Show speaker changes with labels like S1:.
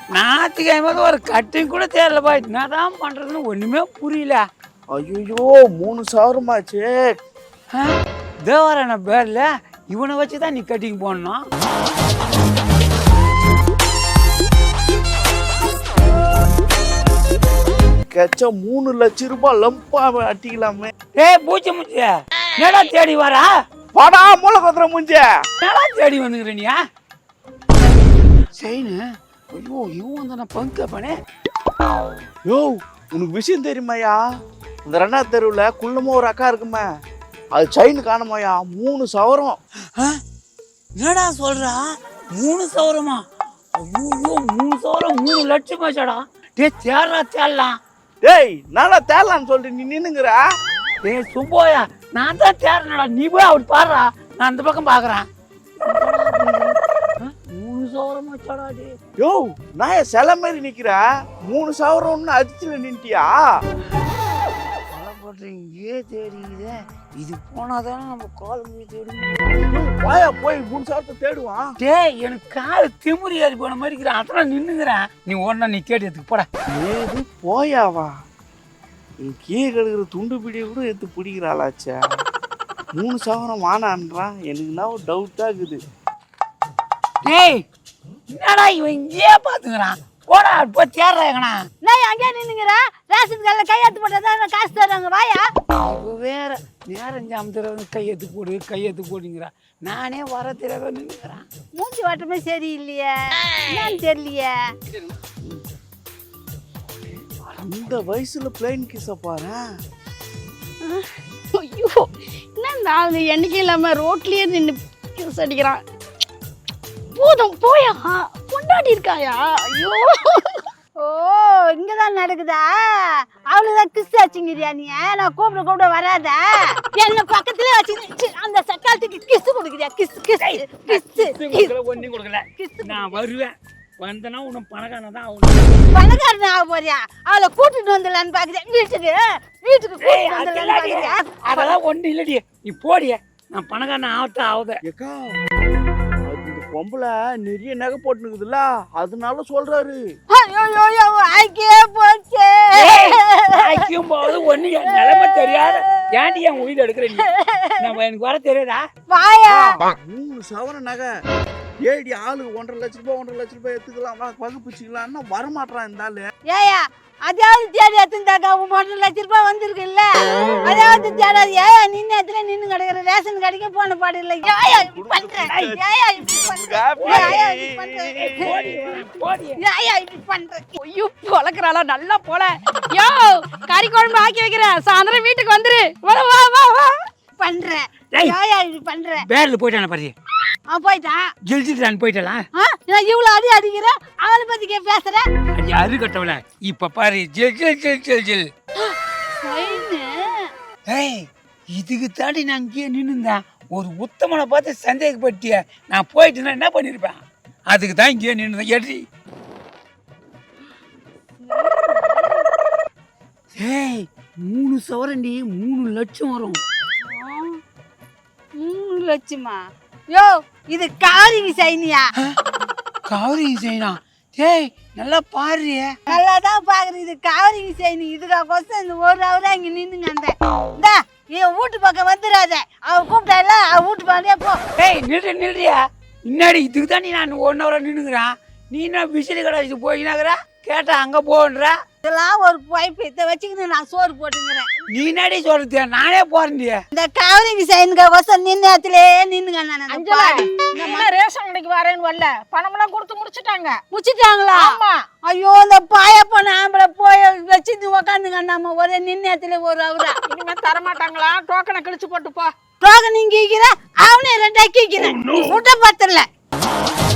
S1: ஞாயிற்றுக்கிழமை ஒரு கட்டிங் கூட தெரியலப்பா. என்னதான் பண்றதுன்னு ஒண்ணுமே புரியல.
S2: ஐயோ 3,000
S1: தேவரான பேர்ல இவனை வச்சுதான் நீ கட்டிங் போடணும்.
S2: கச்ச 3 லட்சம் ரூபாய் லம்பா அட்டிக்கலாமே.
S1: ஏய் பூச்சி முச்சி என்னடா தேடி வரா?
S2: வாடா மூளை கொத்துற முஞ்ச.
S1: என்னடா தேடி வந்துக்கிறனியா? செயினு. ஐயோ இவன் தானே பங்க பண்ணே.
S2: யோ உனக்கு விஷயம் தெரியுமாயா? இந்த 2ஆவது தெருவில் குள்ளமா ஒரு அக்கா இருக்குமே, அது செயின் காணுமாயா? 3 சவரம்.
S1: என்னடா சொல்றா? 3 சவரமா? ஐயோ 3 சவரம் 3 லட்சம் ஆச்சாடா. டே தேர்றா தேரலாம்.
S2: டேய் நானா தேரலான்னு சொல்லிட்டு நீ நின்னுங்கிற?
S1: டேய் சும்போயா நான் தான் தேர்றேன்டா. நீ போய் அப்படி பாடுறா, நான் அந்த பக்கம் பாக்குறேன். 3 சவரம் ஆச்சாடா. டே
S2: யோ நான் சில மாதிரி நிக்கிற. 3 சவரம்னு அடிச்சுல நின்ட்டியா?
S1: இங்கே தேடிக்குதே. இது போனாதானே நம்ம கால் மணி தேடும்.
S2: வாயா போய் 3 சவரத்தை தேடுவான்.
S1: டேய் எனக்கு கால் திமுறி ஏறி போன மாதிரி இருக்கிறேன். அதெல்லாம் நின்னுங்கிறேன். நீ ஒன்னா நீ கேட்டதுக்கு போட.
S2: ஏது போயாவா? நீ கீழே கிடக்குற துண்டு பிடிய கூட எடுத்து பிடிக்கிறாளாச்சா? 3 சவரம் வானான்றான். எனக்கு என்ன டவுட்டா இருக்குது.
S1: டேய் என்னடா இவன் இங்கேயே பாத்துக்கிறான்? போடா போய் தேடுறாங்கண்ணா.
S3: நான் அங்கே நின்னுங்கிற ரேஷன் கார்டில் கையெழுத்து போட்டதான் காசு தர்றாங்க. வாயா
S1: இப்போ வேற நேரம் ஜாமத்துறது கையெழுத்து போடுங்கிறா. நானே வர தெரியாத நின்னுக்கிறேன்.
S3: மூஞ்சி வாட்டமே சரியில்லையே, என்னன்னு தெரியலையே.
S2: அந்த வயசுல பிளைன் கிஸ பாரு.
S3: ஐயோ என்ன நாலு எண்ணிக்கை இல்லாம ரோட்லயே நின்று கிஸ் அடிக்கிறான். போதும் போயா, கொண்டாடி இருக்காயா? ஐயோ ஓ இங்கதான் நடக்குதா? அவளுதான் கிஸ் ஆச்சுங்கிறியா நீ? நான் கூப்பிட வராத. என்ன பக்கத்துல வச்சு அந்த சக்காலத்துக்கு கிஸ் கொடுக்குறியா? கிஸ் கிஸ் கிஸ்
S1: ஒன்னும் கொடுக்கல. நான் வருவேன். வந்தனா உனக்கு பணக்காரன் ஆகும்.
S3: பணக்காரன் ஆக போறியா? அவளை கூட்டிட்டு வந்துடலான்னு பாக்குறேன். வீட்டுக்கு கூட்டிட்டு வந்துடலான்னு பாக்குறியா?
S1: அதெல்லாம் ஒன்றும் இல்லடி. நீ போடிய. நான் பணக்காரன் ஆகுத.
S2: ஏக்கா பொம்பளை நிறைய நகை போட்டுனுக்குதுல்ல, அதனால சொல்றாரு.
S3: ஐக்கியே போச்சே.
S1: ஐக்கியம் போது ஒண்ணு என் நிலைமை தெரியாது. ஏன்டி என் உயிர் எடுக்கிற நீ? நம்ம எனக்கு வர தெரியாதா?
S3: வாயா
S2: 3 சவரம் நகை ஏடி ஆளுக்கு 1.5 லட்சம் ரூபாய் எடுத்துக்கலாம், பகுப்பிச்சுக்கலாம்னா வரமாட்டான் இந்த ஆளு.
S3: ஏயா அதாவது தேடி எடுத்துட்டாக்கா 1.5 லட்சம் ரூபாய் வந்திருக்குல்ல, அதாவது தேடாது. ஏயா நின்று இடத்துல நின்று கிடக்குற ரேஷன் கடைக்கு போன பாடு இல்லை. ஏயா இப்படி பண்ற? ஏயா இப்படி பண்ற? ஏயா இப்படி பண்ற?
S4: ஐயோ பொழக்கிறாளா நல்லா போல. யோ கறி குழம்பு ஆக்கி வைக்கிறேன், சாயந்தரம் வீட்டுக்கு வந்துரு. வா வா வா வா
S3: பண்ற. ஏயா இப்படி பண்ற?
S1: பேர்ல போயிட்டான பாரு.
S3: போயிட்டான்.
S1: ஜெயிச்சுட்டான் போயிட்டலாம்.
S3: நான் இவ்வளவு அடிக்கிற அவளை பத்தி பேசுற.
S1: அது அரு கட்டவல. இப்ப பாரு ஜெல் ஜெல் ஜெல் ஜெல் ஜெல். ஏய் இதுக்கு தாண்டி நான் இங்கேயே நின்னுந்தேன். ஒரு உத்தமனை பார்த்து சந்தேகப்பட்டிய நான் போயிட்டுனா என்ன பண்ணிருப்பேன்? அதுக்கு தான் இங்கேயே நின்னுந்தேன். எடி ஏய் 3 சவரண்டி 3 லட்சம் வரும்.
S3: 3 லட்சமா? யோ இது காரிங்க சைனியா?
S1: காரிங்க சைனா? ஏய் நல்லா பாரு.
S3: நல்லா தான் பாக்குறது. இது காரிங்க சைனி. இதுக்காக இந்த 1 ஹவரா இங்க நின்னுங்க. அந்த என் வீட்டு பக்கம் வந்துடாத. அவ கூப்பிட்டால அவ வீட்டு பக்கமே போ.
S1: ஏய் நில்றியா? முன்னாடி இதுக்கு தான் நான் 1 ஹவரா நின்னுங்கிறான். நீ என்ன விசிறி கடைக்கு போயினாங்கிற? கேட்டா அங்க போன்ற.
S3: இதெல்லாம் ஒரு பைப்பு இதை வச்சுக்கிட்டு நான் சோறு போட்டுங்கிறேன்.
S1: நீ என்னடி சொல்றது? நானே போறேன்டியா.
S3: இந்த காவரிங்க சைனுக்காக நின்று இடத்துல நின்னுங்க.
S4: நான் ரேஷன் கடைக்கு வரேன்னு வரல, பணமெல்லாம் கொடுத்து
S3: முடிச்சுட்டாங்களா? ஐயோ இந்த பாய போன ஆம்பளை போய் வச்சுட்டு உக்காந்துங்க. நம்ம ஒரே நின்று இடத்துல 1 ஹவரா.
S4: இனிமே தரமாட்டாங்களா? டோக்கனை கிழிச்சு போட்டு போ.
S3: டோக்கன் நீங்க அவனே 2 கீக்கிறேன். முட்டை பத்தல.